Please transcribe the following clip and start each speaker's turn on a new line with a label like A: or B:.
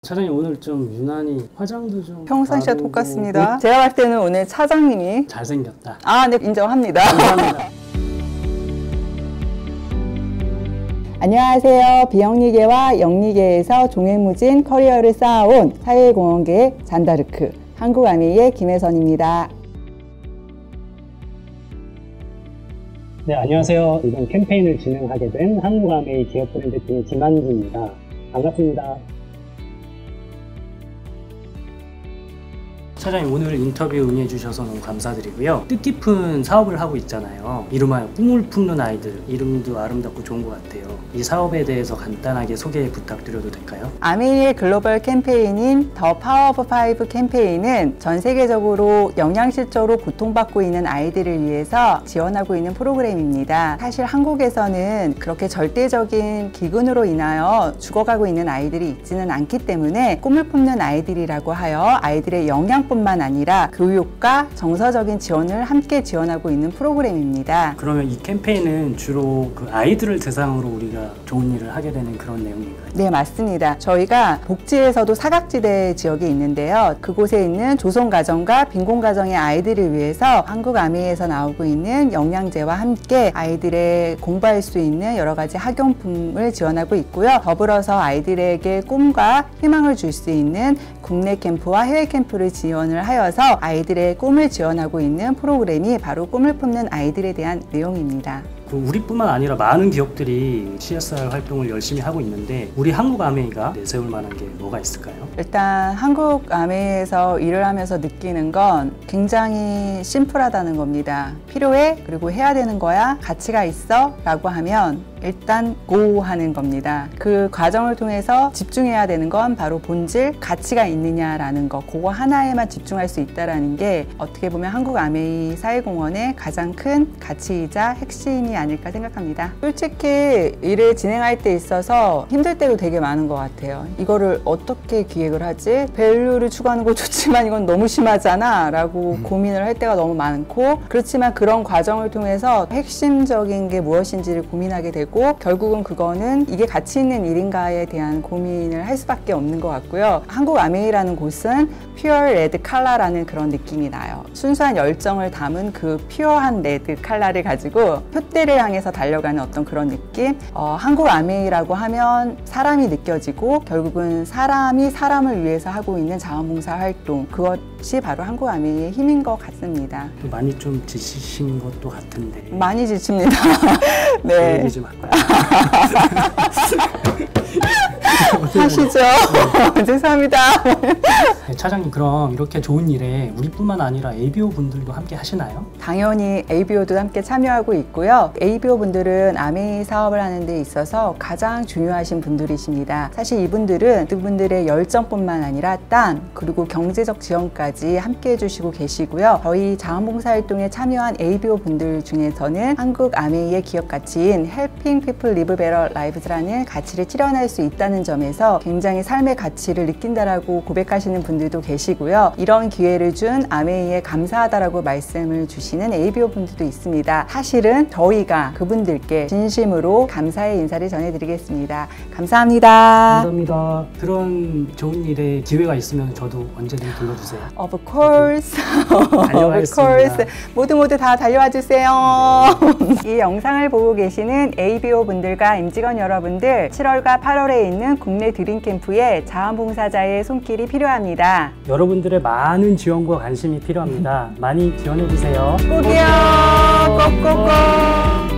A: 차장님 오늘 좀 유난히 화장도 좀
B: 평상시와
A: 다르고
B: 똑같습니다. 제가 봤을 때는 오늘 차장님이
A: 잘생겼다.
B: 네, 인정합니다.
A: 감사합니다.
B: 안녕하세요. 비영리계와 영리계에서 종횡무진 커리어를 쌓아온 사회공헌계의 잔다르크 한국아미의 김혜선입니다.
A: 네, 안녕하세요. 이번 캠페인을 진행하게 된 한국아메이 기업 브랜드 팀의 김한기입니다. 반갑습니다. 차장님 오늘 인터뷰 응해 주셔서 너무 감사드리고요. 뜻깊은 사업을 하고 있잖아요. 이름하여 꿈을 품는 아이들. 이름도 아름답고 좋은 것 같아요. 이 사업에 대해서 간단하게 소개 부탁드려도 될까요?
B: 아메이의 글로벌 캠페인인 더 파워 오브 파이브 캠페인은 전 세계적으로 영양실조로 고통받고 있는 아이들을 위해서 지원하고 있는 프로그램입니다. 사실 한국에서는 그렇게 절대적인 기근으로 인하여 죽어가고 있는 아이들이 있지는 않기 때문에 꿈을 품는 아이들이라고 하여 아이들의 영양뿐만 아니라 교육과 정서적인 지원을 함께 지원하고 있는 프로그램입니다.
A: 그러면 이 캠페인은 주로 그 아이들을 대상으로 우리가 좋은 일을 하게 되는 그런 내용인가요?
B: 네, 맞습니다. 저희가 복지에서도 사각지대 지역이 있는데요. 그곳에 있는 조선가정과 빈곤가정의 아이들을 위해서 한국아미에서 나오고 있는 영양제와 함께 아이들의 공부할 수 있는 여러 가지 학용품을 지원하고 있고요. 더불어서 아이들에게 꿈과 희망을 줄 수 있는 국내 캠프와 해외 캠프를 지원을 하여서 아이들의 꿈을 지원하고 있는 프로그램이 바로 꿈을 품는 아이들에 대한 내용입니다.
A: 우리뿐만 아니라 많은 기업들이 CSR 활동을 열심히 하고 있는데 우리 한국아메이가 내세울 만한 게 뭐가 있을까요?
B: 일단 한국아메이에서 일을 하면서 느끼는 건 굉장히 심플하다는 겁니다. 필요해? 그리고 해야 되는 거야? 가치가 있어? 라고 하면 일단 고 하는 겁니다. 그 과정을 통해서 집중해야 되는 건 바로 본질, 가치가 있느냐라는 거, 그거 하나에만 집중할 수 있다는 게 어떻게 보면 한국아메이 사회공헌의 가장 큰 가치이자 핵심이 아닐까 생각합니다. 솔직히 일을 진행할 때 있어서 힘들 때도 되게 많은 것 같아요. 이거를 어떻게 기획을 하지? 밸류를 추구하는 거 좋지만 이건 너무 심하잖아 라고 고민을 할 때가 너무 많고, 그렇지만 그런 과정을 통해서 핵심적인 게 무엇인지를 고민하게 되고 결국은 그거는 이게 가치 있는 일인가에 대한 고민을 할 수밖에 없는 것 같고요. 한국아메이라는 곳은 퓨어 레드 칼라라는 그런 느낌이 나요. 순수한 열정을 담은 그 퓨어한 레드 칼라를 가지고 표대를 향해서 달려가는 어떤 그런 느낌. 한국아메이라고 하면 사람이 느껴지고 결국은 사람이 사람을 위해서 하고 있는 자원봉사 활동, 그것이 바로 한국아메이의 힘인 것 같습니다.
A: 많이 좀 지치신 것도 같은데.
B: 많이 지칩니다. 네.
A: 얘기 좀 할까요?
B: 하시죠. 죄송합니다.
A: 네, 차장님 그럼 이렇게 좋은 일에 우리뿐만 아니라 ABO 분들도 함께 하시나요?
B: 당연히 ABO도 함께 참여하고 있고요. ABO 분들은 아메이 사업을 하는 데 있어서 가장 중요하신 분들이십니다. 사실 이분들은 그분들의 열정뿐만 아니라 땅 그리고 경제적 지원까지 함께 해주시고 계시고요. 저희 자원봉사활동에 참여한 ABO 분들 중에서는 한국 아메이의 기업 가치인 Helping People Live Better Lives라는 가치를 실현할 수 있다는 점에서 굉장히 삶의 가치를 느낀다라고 고백하시는 분들도 계시고요. 이런 기회를 준 아메이에 감사하다라고 말씀을 주시는 ABO 분들도 있습니다. 사실은 저희가 그분들께 진심으로 감사의 인사를 전해드리겠습니다. 감사합니다.
A: 감사합니다. 그런 좋은 일에 기회가 있으면 저도 언제든 불러주세요.
B: Of course.
A: 달려가겠습니다.
B: Of course. 모두 다 달려와 주세요. 이 영상을 보고 계시는 ABO 분들과 임직원 여러분들, 7월과 8월에 있는 국내 드림 캠프에 자원봉사자의 손길이 필요합니다.
A: 여러분들의 많은 지원과 관심이 필요합니다. 많이 지원해주세요.
B: 꼭이요. 꼭꼭꼭.